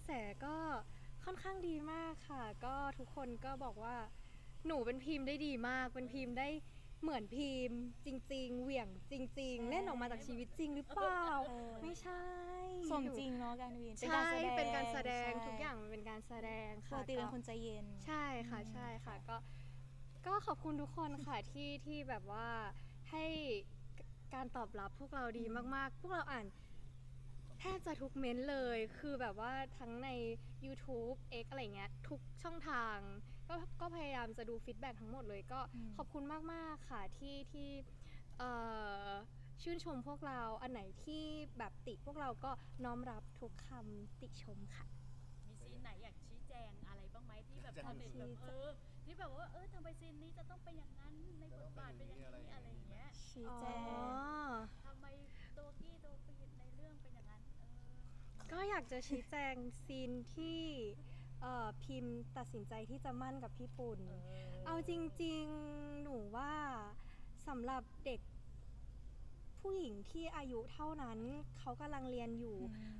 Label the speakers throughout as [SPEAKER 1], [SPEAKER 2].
[SPEAKER 1] แสก็ค่อนข้างดีมากค่ะก็ทุกคนก็บอกว่าหนูเป็นพิมพ์ได้ดีมากเป็นพิมพ์ได้เหมือนพิมพ์จริงๆเหวี่ยงจริงๆเล่นออกมาจากชีวิตจริงหรือเปล่าไม่ใช่
[SPEAKER 2] สมจริงเนาะการวิน
[SPEAKER 1] ใช่เป็นการแสดงทุกอย่างมันเป็นการแสดง
[SPEAKER 2] ป
[SPEAKER 1] ค่ะ
[SPEAKER 2] กติเป็นคนใจเย็น
[SPEAKER 1] ใช่ค่ะใช่ค่ะก็ขอบคุณทุกคนค่ะที่แบบว่าให้การตอบรับพวกเราดีมากๆ พวกเราอ่านแทบจะทุกเม้นต์เลยคือแบบว่าทั้งใน YouTube X อะไรเงี้ยทุกช่องทางก็พยายามจะดูฟีดแบ็กทั้งหมดเลยก็ขอบคุณมากๆค่ะที่เอ่อชื่นชมพวกเราอันไหนที่แบบติพวกเราก็น้อมรับทุกคำติชมค่ะ
[SPEAKER 3] มีซีนไหนอยากชี้แจงอะไรบ้างไหมที่แบบชาวเน็ตแบบที่แบบว่าทำไมซีนนี้จะต้องเป็นอย่างนั้นในบทบาทเป็นอย่างนี้อะไรอย่างเงี้ย
[SPEAKER 2] ชี้แจง
[SPEAKER 3] ทำไมตัวกี้ตัวปีในเรื่องเป็นอย่างนั้น
[SPEAKER 1] ก็อยากจะชี้แจงซีนที่พิมพ์ตัดสินใจที่จะมั่นกับพี่ปุ่น เอาจริงๆ หนูว่าสำหรับเด็กผู้หญิงที่อายุเท่านั้นเขากำลังเรียนอยู่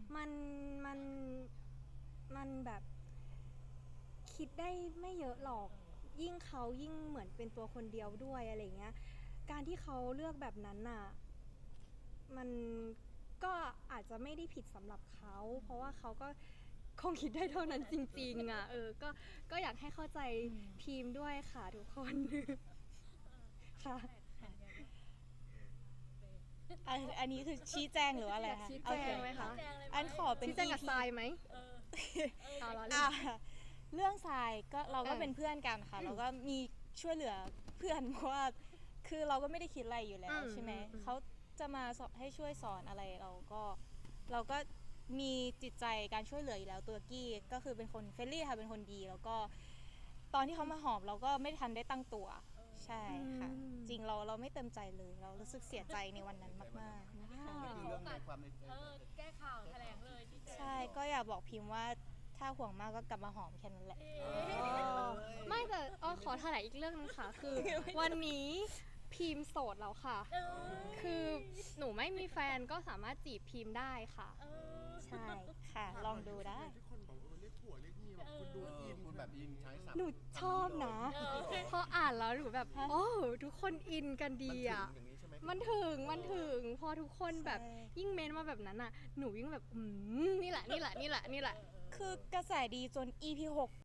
[SPEAKER 1] มันแบบคิดได้ไม่เยอะหรอก ยิ่งเขายิ่งเหมือนเป็นตัวคนเดียวด้วยอะไรเงี้ย การที่เขาเลือกแบบนั้นน่ะ มันก็อาจจะไม่ได้ผิดสำหรับเขา เพราะว่าเขาก็คงคิดได้เท่านั้นจริงๆอ่ะก็อยากให้เข้าใจทีมด้วยค่ะทุกคน ค่ะ
[SPEAKER 2] อันนี้คือชี้แจงหรือว่าอะไรคะ
[SPEAKER 1] ชี้แจงไหมคะ
[SPEAKER 2] อันขอเป็น
[SPEAKER 1] ชี้แจงกับ
[SPEAKER 2] EP
[SPEAKER 1] ทรายไหมเอาละ
[SPEAKER 2] อ่ะเรื่องทรายก็เราก็เป็นเพื่อนกันค่ะเราก็มีช่วยเหลือเพื่อนเพราะว่าคือเราก็ไม่ได้คิดอะไรอยู่แล้วใช่ไหมเขาจะมาให้ช่วยสอนอะไรเราก็มีจิตใจการช่วยเหลืออยู่แล้วตัวกี้ก็คือเป็นคนเฟรนลี่ค่ะเป็นคนดีแล้วก็ตอนที่เขามาหอมเราก็ไม่ทันได้ตั้งตัวใช่ค่ะจริงเราไม่เต็มใจเลยเรารู้สึกเสียใจในวันนั้นมากๆนะคะ
[SPEAKER 4] นี่คือเรื่องในความในใจ
[SPEAKER 3] แก้ข่าวแถลงเลยที่
[SPEAKER 2] ใช่ก็อยากบอกพิมพ์ว่าถ้าห่วงมากก็กลับมาหอมแค่นั้นแหละ
[SPEAKER 1] ไม่แต่ขอแถลงอีกเรื่องนึงค่ะ คือวันนี้พิมพ์โสดแล้วค่ะ คือหนูไม่มีแฟนก็สามารถจีบพิมพ์ได้ค่ะ
[SPEAKER 2] ใช่ค่ะ ลองดูได้
[SPEAKER 5] ทุกคนบอกเรียกผัวเรียกเมียแบบคุณดูอิน
[SPEAKER 4] คุณแบบอินใช้สับ
[SPEAKER 1] หนูชอบนะ พออ่านแล้วหนูแบบ โอ้ทุกคนอินกันดีอ่ะ
[SPEAKER 4] อย่างนี้ใช่ไหม
[SPEAKER 1] มันถึงพอทุกคนแบบยิ่งเมนมาแบบนั้นอ่ะ หนูยิ่งแบบนี่แหละ
[SPEAKER 2] คือกระแสดีจน EP 6